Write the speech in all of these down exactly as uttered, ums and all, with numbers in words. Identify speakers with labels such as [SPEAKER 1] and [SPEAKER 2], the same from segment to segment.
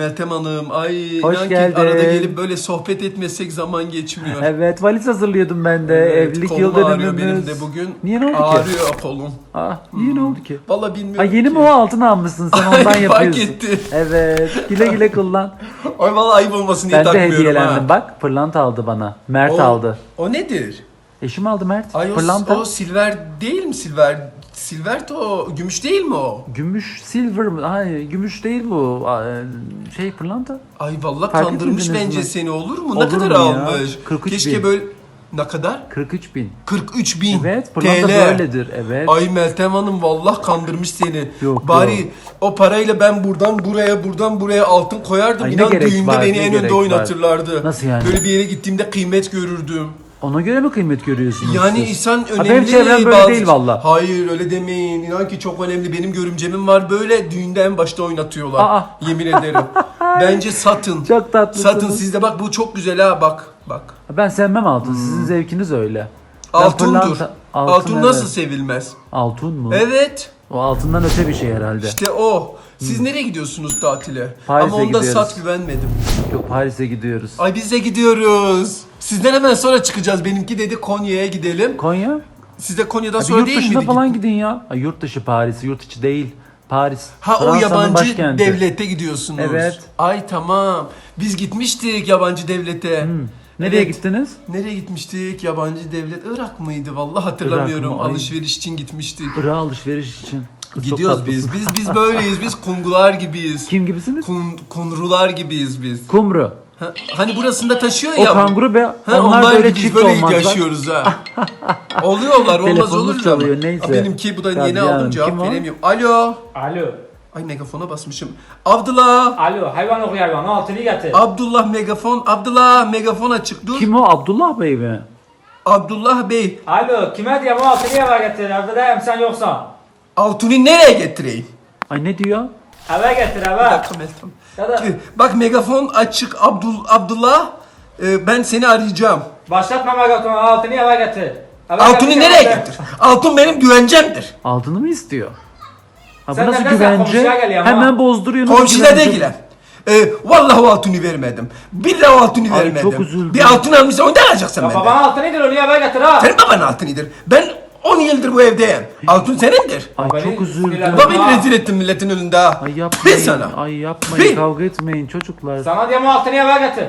[SPEAKER 1] Meltem Hanım. Ay
[SPEAKER 2] Hoş
[SPEAKER 1] inan ki
[SPEAKER 2] geldin.
[SPEAKER 1] arada gelip böyle sohbet etmesek zaman geçmiyor.
[SPEAKER 2] Evet, valiz hazırlıyordum ben de.
[SPEAKER 1] Evet,
[SPEAKER 2] Evlilik
[SPEAKER 1] kolum
[SPEAKER 2] yıl
[SPEAKER 1] ağrıyor
[SPEAKER 2] dönümümüz.
[SPEAKER 1] benim de bugün.
[SPEAKER 2] Niye, ne oldu ki?
[SPEAKER 1] Ağrıyor kolum.
[SPEAKER 2] Aa, niye ne oldu ki?
[SPEAKER 1] Vallahi
[SPEAKER 2] Ha,
[SPEAKER 1] bilmiyorum
[SPEAKER 2] yeni
[SPEAKER 1] ki.
[SPEAKER 2] mi o, altın almışsın sen,
[SPEAKER 1] Ay,
[SPEAKER 2] ondan
[SPEAKER 1] fark
[SPEAKER 2] yapıyorsun.
[SPEAKER 1] etti.
[SPEAKER 2] Evet, güle güle kullan.
[SPEAKER 1] Ay vallahi ayıp olmasın diye
[SPEAKER 2] Ben de
[SPEAKER 1] takmıyorum
[SPEAKER 2] hediyelendim
[SPEAKER 1] ha.
[SPEAKER 2] bak, pırlanta aldı bana. Mert
[SPEAKER 1] O,
[SPEAKER 2] aldı.
[SPEAKER 1] o nedir?
[SPEAKER 2] Eşim aldı Mert.
[SPEAKER 1] Ay o,
[SPEAKER 2] pırlanta.
[SPEAKER 1] o silver değil mi silver? Silver de o gümüş değil mi o?
[SPEAKER 2] Gümüş, silver mı? Hayır, gümüş değil bu. Aa, Şey, pırlanta.
[SPEAKER 1] Ay vallahi
[SPEAKER 2] Fark
[SPEAKER 1] kandırmış
[SPEAKER 2] etmediniz
[SPEAKER 1] bence
[SPEAKER 2] mi?
[SPEAKER 1] seni, olur mu?
[SPEAKER 2] Olur
[SPEAKER 1] ne kadar
[SPEAKER 2] mu ya?
[SPEAKER 1] almış?
[SPEAKER 2] kırk üç
[SPEAKER 1] Keşke
[SPEAKER 2] bin.
[SPEAKER 1] böyle ne kadar?
[SPEAKER 2] kırk üç bin.
[SPEAKER 1] kırk üç bin
[SPEAKER 2] Evet, pırlanta
[SPEAKER 1] T L.
[SPEAKER 2] böyledir. Evet.
[SPEAKER 1] Ay Meltem Hanım vallahi kandırmış seni.
[SPEAKER 2] Yok,
[SPEAKER 1] Bari
[SPEAKER 2] yok.
[SPEAKER 1] o parayla ben buradan buraya buradan buraya altın koyardım.
[SPEAKER 2] Ay, ne
[SPEAKER 1] İnan
[SPEAKER 2] gerek
[SPEAKER 1] düğünde
[SPEAKER 2] var,
[SPEAKER 1] beni
[SPEAKER 2] ne
[SPEAKER 1] en
[SPEAKER 2] gerek
[SPEAKER 1] önde
[SPEAKER 2] var?
[SPEAKER 1] oynatırlardı.
[SPEAKER 2] Nasıl yani?
[SPEAKER 1] Böyle bir yere gittiğimde kıymet görürdüm.
[SPEAKER 2] Ona göre mi kıymet görüyorsunuz
[SPEAKER 1] Yani
[SPEAKER 2] siz?
[SPEAKER 1] insan
[SPEAKER 2] Ha,
[SPEAKER 1] önemli.
[SPEAKER 2] benim çevrem böyle değil valla.
[SPEAKER 1] Hayır öyle demeyin. İnan ki çok önemli. Benim görümcemin var, böyle düğünde en başta oynatıyorlar.
[SPEAKER 2] Aa.
[SPEAKER 1] Yemin ederim. Bence satın.
[SPEAKER 2] Çok tatlısınız.
[SPEAKER 1] Satın sizde, bak bu çok güzel ha, bak. Bak.
[SPEAKER 2] Ben sevmem altın. Sizin zevkiniz öyle. Ben
[SPEAKER 1] Altundur.
[SPEAKER 2] pırlanta-
[SPEAKER 1] Altın,
[SPEAKER 2] altın,
[SPEAKER 1] nasıl
[SPEAKER 2] evet.
[SPEAKER 1] sevilmez?
[SPEAKER 2] Altın mı?
[SPEAKER 1] Evet.
[SPEAKER 2] O altından öte bir şey herhalde.
[SPEAKER 1] İşte o. Siz nereye gidiyorsunuz tatile?
[SPEAKER 2] Paris'e
[SPEAKER 1] Ama onda
[SPEAKER 2] gidiyoruz.
[SPEAKER 1] sat, güvenmedim.
[SPEAKER 2] Yok, Paris'e gidiyoruz.
[SPEAKER 1] Ay biz de gidiyoruz. Sizden hemen sonra çıkacağız. Benimki dedi Konya'ya gidelim.
[SPEAKER 2] Konya?
[SPEAKER 1] Siz de Konya'dan
[SPEAKER 2] Abi
[SPEAKER 1] sonra
[SPEAKER 2] yurt
[SPEAKER 1] değil
[SPEAKER 2] dışına
[SPEAKER 1] miydi?
[SPEAKER 2] falan gidin ya. Ay, yurt dışı Paris, yurt içi değil. Paris.
[SPEAKER 1] Ha, o
[SPEAKER 2] Fransa'nın
[SPEAKER 1] yabancı
[SPEAKER 2] başkenti.
[SPEAKER 1] devlete gidiyorsunuz.
[SPEAKER 2] Evet.
[SPEAKER 1] Ay tamam. Biz gitmiştik yabancı devlete.
[SPEAKER 2] Nereye
[SPEAKER 1] Evet.
[SPEAKER 2] gittiniz?
[SPEAKER 1] Nereye gitmiştik? Yabancı devlet Irak mıydı? Vallahi hatırlamıyorum.
[SPEAKER 2] Irak mı? Ay.
[SPEAKER 1] Alışveriş için gitmiştik.
[SPEAKER 2] Irak'a alışveriş için. Kız, çok
[SPEAKER 1] Gidiyoruz biz.
[SPEAKER 2] tatlısın.
[SPEAKER 1] Biz biz böyleyiz. Biz kungular gibiyiz.
[SPEAKER 2] Kim gibisiniz?
[SPEAKER 1] Kun, kunrular gibiyiz biz.
[SPEAKER 2] Kumru.
[SPEAKER 1] Ha, hani burasında taşıyor
[SPEAKER 2] O
[SPEAKER 1] ya.
[SPEAKER 2] kanguru be.
[SPEAKER 1] Ha,
[SPEAKER 2] onlar,
[SPEAKER 1] onlar
[SPEAKER 2] böyle
[SPEAKER 1] gibi
[SPEAKER 2] çift
[SPEAKER 1] böyle
[SPEAKER 2] olmazlar.
[SPEAKER 1] yaşıyoruz ha. Oluyorlar, olmaz
[SPEAKER 2] Telefonunuz
[SPEAKER 1] olur mu?
[SPEAKER 2] çalıyor,
[SPEAKER 1] ama.
[SPEAKER 2] neyse.
[SPEAKER 1] Ha, benimki bu da yeni
[SPEAKER 2] Kadriye
[SPEAKER 1] aldım,
[SPEAKER 2] Hanım,
[SPEAKER 1] cevap
[SPEAKER 2] kim o?
[SPEAKER 1] veremiyorum. Alo.
[SPEAKER 3] Alo.
[SPEAKER 1] Ay megafona basmışım. Abdullah.
[SPEAKER 3] Alo. Hayvan oku hayvan. O altını getir.
[SPEAKER 1] Abdullah megafon. Abdullah megafon açık dur.
[SPEAKER 2] Kim o? Abdullah Bey mi?
[SPEAKER 1] Abdullah Bey.
[SPEAKER 3] Alo. Kime diyeyim o altını eve getir. Evdeyim sen yoksan.
[SPEAKER 1] Altuni nereye getireyim?
[SPEAKER 2] Ay, ne diyor?
[SPEAKER 3] Eve getir
[SPEAKER 1] Bir
[SPEAKER 3] eve.
[SPEAKER 1] dakika Meltem.
[SPEAKER 3] Ya da
[SPEAKER 1] Bak megafon açık Abdul Abdullah. Ee, ben seni arayacağım.
[SPEAKER 3] başlatma magatonu. Altını eve getir. Eve
[SPEAKER 1] Altuni
[SPEAKER 3] getir,
[SPEAKER 1] nereye
[SPEAKER 3] eve.
[SPEAKER 1] getir? Altın benim güvencemdir.
[SPEAKER 2] Altını mı istiyor? Ha, bu
[SPEAKER 3] Sen
[SPEAKER 2] nasıl
[SPEAKER 3] nereden
[SPEAKER 2] güvence?
[SPEAKER 3] komşuya geliyor ama?
[SPEAKER 2] Hemen bozduruyor. nasıl
[SPEAKER 1] Komşuda
[SPEAKER 2] güvence?
[SPEAKER 1] değilim. Ee, vallahi o altını vermedim. Billahi o altını
[SPEAKER 2] Ay,
[SPEAKER 1] vermedim.
[SPEAKER 2] çok üzüldüm.
[SPEAKER 1] Bir altın almışsa onu da alacaksın
[SPEAKER 3] Ya
[SPEAKER 1] benden.
[SPEAKER 3] baban altınıdır onu eve getir ha.
[SPEAKER 1] Senin babanın altınıdır. Ben on yıldır bu evdeyim. Altın senindir.
[SPEAKER 2] Ay,
[SPEAKER 3] Beni
[SPEAKER 2] çok üzüldüm.
[SPEAKER 3] sinirlendim.
[SPEAKER 1] Bak beni rezil ettin milletin önünde ha.
[SPEAKER 2] Ay
[SPEAKER 1] Bil
[SPEAKER 2] yapmayın.
[SPEAKER 1] sana.
[SPEAKER 2] Ay yapmayın.
[SPEAKER 1] Bil.
[SPEAKER 2] Kavga etmeyin çocuklar.
[SPEAKER 3] Sana diyeyim o altını eve getir.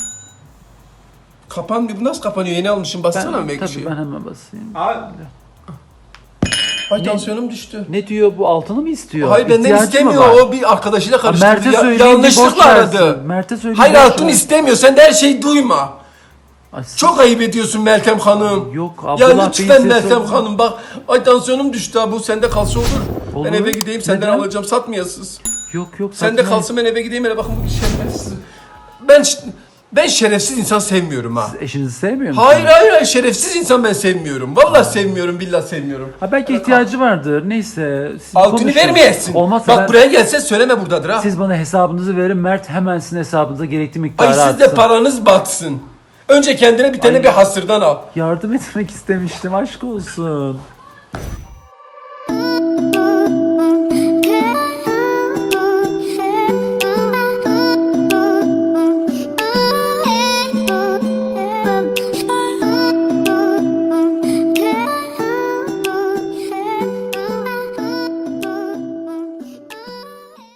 [SPEAKER 1] Kapanmıyor. Bu nasıl kapanıyor? Yeni almışım. Bassana
[SPEAKER 2] Ben,
[SPEAKER 1] belki
[SPEAKER 2] tabii
[SPEAKER 1] şey.
[SPEAKER 2] ben hemen basayım.
[SPEAKER 3] Abi.
[SPEAKER 1] Ay
[SPEAKER 2] Ne?
[SPEAKER 1] tansiyonum düştü.
[SPEAKER 2] Ne diyor, bu altını mı istiyor?
[SPEAKER 1] Hayır benden
[SPEAKER 2] İhtiyacı mı
[SPEAKER 1] istemiyor.
[SPEAKER 2] var?
[SPEAKER 1] O bir arkadaşıyla
[SPEAKER 2] Ha,
[SPEAKER 1] karıştırdı.
[SPEAKER 2] Mert'e
[SPEAKER 1] Ya-
[SPEAKER 2] söyleyince
[SPEAKER 1] yanlışlıkla
[SPEAKER 2] boş
[SPEAKER 1] aradı.
[SPEAKER 2] versin. Mert'e söyleyince
[SPEAKER 1] Hayır
[SPEAKER 2] boş
[SPEAKER 1] altın
[SPEAKER 2] ver.
[SPEAKER 1] istemiyor. Sen de her şeyi duyma.
[SPEAKER 2] Ay, siz-
[SPEAKER 1] Çok ayıp ediyorsun Meltem Hanım.
[SPEAKER 2] Yok,
[SPEAKER 1] Ya
[SPEAKER 2] Abdullah Bey'in
[SPEAKER 1] lütfen
[SPEAKER 2] sesi
[SPEAKER 1] Meltem
[SPEAKER 2] oldu.
[SPEAKER 1] Hanım bak. Ay tansiyonum düştü ha. Bu sende kalsa olur.
[SPEAKER 2] Olur.
[SPEAKER 1] Ben eve gideyim senden
[SPEAKER 2] Neden?
[SPEAKER 1] alacağım. Satmayasınız.
[SPEAKER 2] Yok yok.
[SPEAKER 1] Sen de
[SPEAKER 2] satmayın.
[SPEAKER 1] kalsın ben eve gideyim. Hele bakın bu şerefsiz. Ben ş- ben şerefsiz insan sevmiyorum ha.
[SPEAKER 2] Siz eşinizi sevmiyor musunuz?
[SPEAKER 1] Hayır hayır hayır şerefsiz insan ben sevmiyorum. Vallahi sevmiyorum, billahi sevmiyorum.
[SPEAKER 2] Ha, belki ihtiyacı vardır. Neyse. siz
[SPEAKER 1] Altını
[SPEAKER 2] konuşun.
[SPEAKER 1] vermeyesin.
[SPEAKER 2] Olmazsa
[SPEAKER 1] Bak
[SPEAKER 2] ben-
[SPEAKER 1] buraya gelse söyleme buradadır ha.
[SPEAKER 2] siz bana hesabınızı verin. Mert hemen sizin hesabınıza gerekli miktarı
[SPEAKER 1] Ay siz de
[SPEAKER 2] atsın.
[SPEAKER 1] paranız batsın. Önce kendine bir tane
[SPEAKER 2] Ay.
[SPEAKER 1] bir hasırdan al.
[SPEAKER 2] Yardım etmek istemiştim. Aşk olsun.